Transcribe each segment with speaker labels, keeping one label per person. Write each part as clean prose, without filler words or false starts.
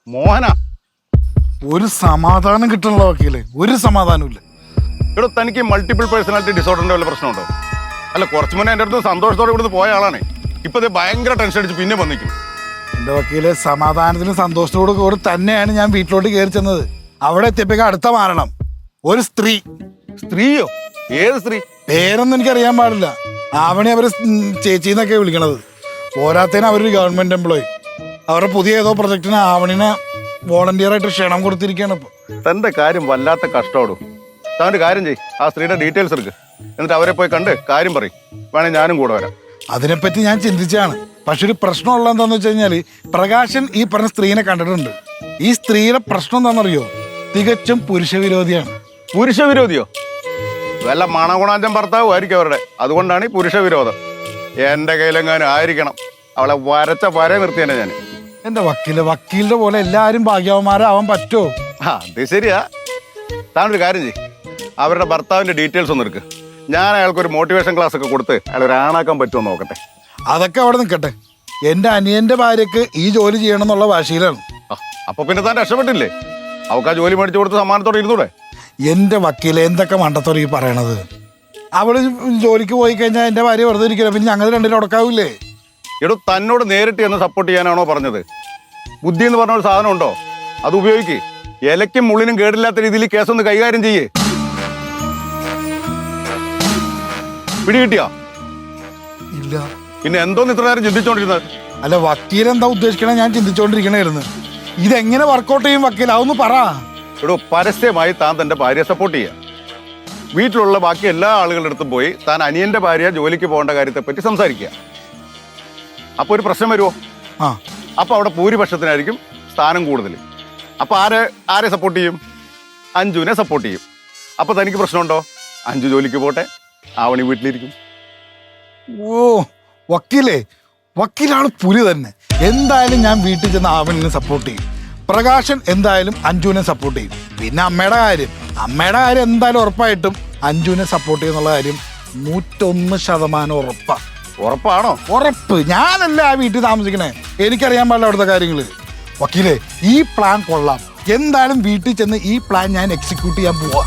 Speaker 1: മോഹന
Speaker 2: ഒരു സമാധാനം കിട്ടണല്ലോ വക്കീലെ, ഒരു സമാധാനമില്ല.
Speaker 1: ഇവിടെ തനിക്ക് മൾട്ടിപ്പിൾ പേഴ്സണാലിറ്റി ഡിസോർഡറിന്റെ വല്ല പ്രശ്നമുണ്ടോ? അല്ല, കുറച്ചു മുന്നേ എൻ്റെ അടുത്ത് സന്തോഷത്തോടെ ഇവിടുന്ന് പോയ ആളാണ്. ഇപ്പൊ ഇത് ഭയങ്കര ടെൻഷൻ അടിച്ച് പിന്നെ വന്നിരിക്കും.
Speaker 2: എൻ്റെ വക്കീലെ, സമാധാനത്തിനും സന്തോഷത്തോടു കൂടി തന്നെയാണ് ഞാൻ വീട്ടിലോട്ട് കയറി ചെന്നത്. അവിടെ എത്തിയപ്പോഴേക്കും അടുത്ത മാരണം ഒരു സ്ത്രീ.
Speaker 1: സ്ത്രീയോ? ഏത് സ്ത്രീ?
Speaker 2: പേരൊന്നും എനിക്കറിയാൻ പാടില്ല. ആവണി അവര് ചേച്ചിന്നൊക്കെ വിളിക്കണത്. പോരാത്തതിന് അവരൊരു ഗവൺമെന്റ് എംപ്ലോയി. അവരുടെ പുതിയ ഏതോ പ്രൊജക്ടിന് ആവണിനെ വോളണ്ടിയർ ആയിട്ട് ക്ഷണം കൊടുത്തിരിക്കുകയാണ് ഇപ്പൊ.
Speaker 1: തന്റെ കാര്യം വല്ലാത്ത കഷ്ടോടും. താൻ്റെ കാര്യം ചെയ്, ആ സ്ത്രീയുടെ ഡീറ്റെയിൽസ് എടുക്ക്, എന്നിട്ട് അവരെ പോയി കണ്ട് കാര്യം പറയും. വേണേ ഞാനും കൂടെ വരാം.
Speaker 2: അതിനെപ്പറ്റി ഞാൻ ചിന്തിച്ചാണ്. പക്ഷെ ഒരു പ്രശ്നമുള്ള എന്താന്ന് വെച്ച് കഴിഞ്ഞാല്, പ്രകാശൻ ഈ പറഞ്ഞ സ്ത്രീനെ കണ്ടിട്ടുണ്ട്. ഈ സ്ത്രീയുടെ പ്രശ്നം എന്താണെന്നറിയോ? തികച്ചും പുരുഷവിരോധിയാണ്.
Speaker 1: പുരുഷവിരോധിയോ? വല്ല മണഗുണാഞ്ചം ഭർത്താവും ആയിരിക്കും അവരുടെ. അതുകൊണ്ടാണ് ഈ പുരുഷവിരോധം. എന്റെ കയ്യിലെങ്ങാനും ആയിരിക്കണം. അവളെ വരച്ച വര നിർത്തിയാണ് ഞാൻ.
Speaker 2: എന്റെ വക്കീലിന്റെ പോലെ എല്ലാരും ഭാഗ്യവന്മാരാവാൻ പറ്റുമോ?
Speaker 1: അത് ശരിയാ. താനൊരു കാര്യം ചെയ്യ്, അവരുടെ ഭർത്താവിന്റെ ഡീറ്റെയിൽസ് ഒന്ന് എടുക്ക്. ഞാൻ അയാൾക്കൊരു മോട്ടിവേഷൻ ക്ലാസ് ഒക്കെ കൊടുത്ത് അയാൾ ഒരു ആണാക്കാൻ പറ്റുമോ നോക്കട്ടെ.
Speaker 2: അതൊക്കെ അവിടെ നിൽക്കട്ടെ. എന്റെ അനിയന്റെ ഭാര്യക്ക് ഈ ജോലി ചെയ്യണം എന്നുള്ള വാശിയിലാണ്.
Speaker 1: അപ്പൊ പിന്നെ താൻ രക്ഷപ്പെട്ടില്ലേ? അവൾക്ക് ആ ജോലി മേടിച്ചു കൊടുത്ത് സമ്മാനത്തോടെ ഇരുന്നൂടെ?
Speaker 2: എന്റെ വക്കീലെ, എന്തൊക്കെ മണ്ടത്തോടെ ഈ പറയണത്? അവള് ജോലിക്ക് പോയി കഴിഞ്ഞാൽ എന്റെ ഭാര്യ വെറുതെ ഇരിക്കില്ല. പിന്നെ ഞങ്ങൾ രണ്ടിലും ഉടക്കാവില്ലേ?
Speaker 1: എടോ, തന്നോട് നേരിട്ട് എന്ന് സപ്പോർട്ട് ചെയ്യാനാണോ പറഞ്ഞത്? ബുദ്ധി എന്ന് പറഞ്ഞ ഒരു സാധനം ഉണ്ടോ? അത് ഉപയോഗിക്ക്. ഇലയ്ക്കും മുള്ളിനും കേടില്ലാത്ത രീതിയിൽ കേസൊന്ന് കൈകാര്യം ചെയ്യേ. പിടികിട്ടിയാ?
Speaker 2: ഇല്ല.
Speaker 1: പിന്നെ എന്തോന്ന് ഇത്ര നേരം ചിന്തിച്ചോണ്ടിരുന്നത്?
Speaker 2: അല്ല, വക്കീൽ എന്താ ഉദ്ദേശിക്കണേ? ഞാൻ ചിന്തിച്ചോണ്ടിരിക്കണായിരുന്നു. ഇതെങ്ങനെ വർക്കൗട്ട് ചെയ്യും വക്കീൽ? അതൊന്ന് പറ.
Speaker 1: എടോ, പരസ്യമായി താൻ തന്റെ ഭാര്യയെ സപ്പോർട്ട് ചെയ്യുക. വീട്ടിലുള്ള ബാക്കി എല്ലാ ആളുകളുടെ അടുത്തും പോയി താൻ അനിയന്റെ ഭാര്യ ജോലിക്ക് പോകേണ്ട കാര്യത്തെ പറ്റി സംസാരിക്കുക. അപ്പൊ ഒരു പ്രശ്നം വരുമോ? അപ്പൊ അവിടെ ഭൂരിപക്ഷത്തിനായിരിക്കും സ്ഥാനം കൂടുതൽ. അപ്പൊ ആരെ സപ്പോർട്ട് ചെയ്യും? അഞ്ജുവിനെ സപ്പോർട്ട് ചെയ്യും. അപ്പൊ തനിക്ക് പ്രശ്നമുണ്ടോ? അഞ്ജു ജോലിക്ക് പോട്ടെ, ആവണി വീട്ടിലിരിക്കും.
Speaker 2: ഓ വക്കീലാണ് പുലി തന്നെ. എന്തായാലും ഞാൻ വീട്ടിൽ ചെന്ന് ആവണിനെ സപ്പോർട്ട് ചെയ്യും. പ്രകാശൻ എന്തായാലും അഞ്ജുവിനെ സപ്പോർട്ട് ചെയ്യും. പിന്നെ അമ്മയുടെ കാര്യം എന്തായാലും ഉറപ്പായിട്ടും അഞ്ജുവിനെ സപ്പോർട്ട് ചെയ്യുന്നുള്ള കാര്യം 101% ഉറപ്പാണ്.
Speaker 1: ഉറപ്പാണോ?
Speaker 2: ഉറപ്പ്. ഞാനല്ല ആ വീട്ടിൽ താമസിക്കണേ, എനിക്കറിയാൻ പാടില്ല അവിടുത്തെ കാര്യങ്ങള്. വക്കീലെ, ഈ പ്ലാൻ കൊള്ളാം. എന്തായാലും വീട്ടിൽ ചെന്ന് ഈ പ്ലാൻ ഞാൻ എക്സിക്യൂട്ട് ചെയ്യാൻ പോവാ.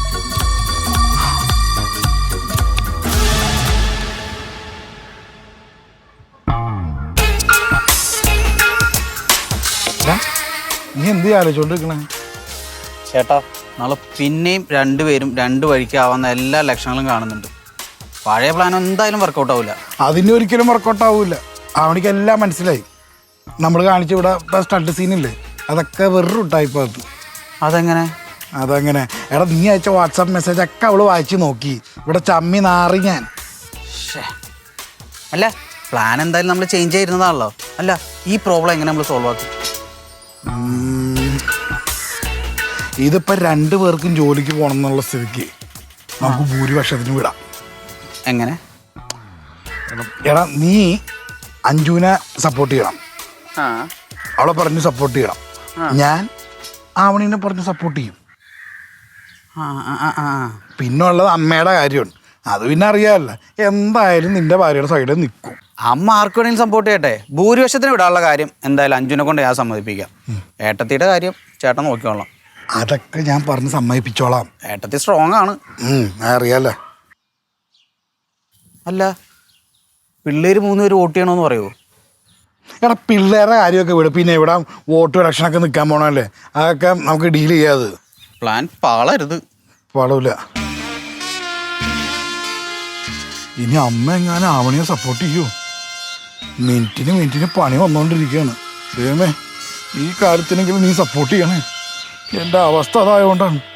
Speaker 2: നീ എന്ത് ആലോചിച്ചോണ്ടിരിക്കണേ?
Speaker 3: ചേട്ടാ, നാളെ പിന്നെയും രണ്ടുപേരും രണ്ട് വഴിക്കാവുന്ന എല്ലാ ലക്ഷണങ്ങളും കാണുന്നുണ്ട്. പഴയ പ്ലാൻ എന്തായാലും വർക്കൗട്ട് ആവില്ല.
Speaker 2: അതിന് ഒരിക്കലും വർക്കൗട്ട് ആവില്ല. അവനിക്ക് എല്ലാം മനസ്സിലായി. നമ്മൾ കാണിച്ച ഇവിടെ സ്റ്റഡ് സീനില്ലേ, അതൊക്കെ വെറും ടൈപ്പ്.
Speaker 3: അതെങ്ങനെ?
Speaker 2: എടാ, നീ അയച്ച വാട്സാപ്പ് മെസ്സേജ് ഒക്കെ അവള് വായിച്ച് നോക്കി. ഇവിടെ ചമ്മി നാറി ഞാൻ.
Speaker 3: അല്ല, പ്ലാൻ എന്തായാലും നമ്മൾ ചേഞ്ച് ചെയ്തിരുന്നതാണല്ലോ. അല്ല, ഈ പ്രോബ്ലം എങ്ങനെ നമ്മൾ സോൾവ് ആക്കി?
Speaker 2: ഇതിപ്പോ 2 പേർക്കും ജോലിക്ക് പോകണം എന്നുള്ള സ്ഥിതിക്ക് നമുക്ക് ഭൂരിപക്ഷത്തിന് വിടാം.
Speaker 3: എങ്ങനെ?
Speaker 2: എടാ, നീ അഞ്ജുവിനെ സപ്പോർട്ട് ചെയ്യണം. അവളെ പറഞ്ഞ് സപ്പോർട്ട് ചെയ്യണം. ഞാൻ ആവണീനെ പറഞ്ഞ് സപ്പോർട്ട് ചെയ്യും. പിന്നെ ഉള്ളത് അമ്മയുടെ കാര്യമാണ്. അത് പിന്നെ അറിയാമല്ല. എന്തായാലും നിന്റെ ഭാര്യയുടെ സൈഡിൽ നിൽക്കും.
Speaker 3: അമ്മ ആർക്ക് വേണമെങ്കിലും സപ്പോർട്ട് ചെയ്യട്ടെ. ഭൂരിപക്ഷത്തിന് വിടാനുള്ള കാര്യം എന്തായാലും അഞ്ജുനെ കൊണ്ട് ഞാൻ സമ്മതിപ്പിക്കാം. ഏട്ടത്തിയുടെ കാര്യം ചേട്ടൻ നോക്കിക്കോളാം.
Speaker 2: അതൊക്കെ ഞാൻ പറഞ്ഞ് സമ്മതിപ്പിച്ചോളാം.
Speaker 3: ഏട്ടത്തി സ്ട്രോങ് ആണ്.
Speaker 2: അറിയാലോ.
Speaker 3: അല്ല, പിള്ളേര് 3 പേര് വോട്ട് ചെയ്യണമെന്ന് പറയുമോ?
Speaker 2: എടാ, പിള്ളേരുടെ കാര്യമൊക്കെ വിടും. പിന്നെ ഇവിടെ വോട്ട് ഇലക്ഷനൊക്കെ നിൽക്കാൻ പോകണമല്ലേ, അതൊക്കെ നമുക്ക് ഡീൽ ചെയ്യാത്.
Speaker 3: പ്ലാൻ പാളരുത്.
Speaker 2: പാടില്ല. ഇനി അമ്മ എങ്ങാനും ആവണിയെ സപ്പോർട്ട് ചെയ്യൂ. മിനിറ്റിന് പണി വന്നുകൊണ്ടിരിക്കുകയാണ്. ദൈവമേ, ഈ കാര്യത്തിനെങ്കിലും നീ സപ്പോർട്ട് ചെയ്യണേ. എൻ്റെ അവസ്ഥ അതായതുകൊണ്ടാണ്.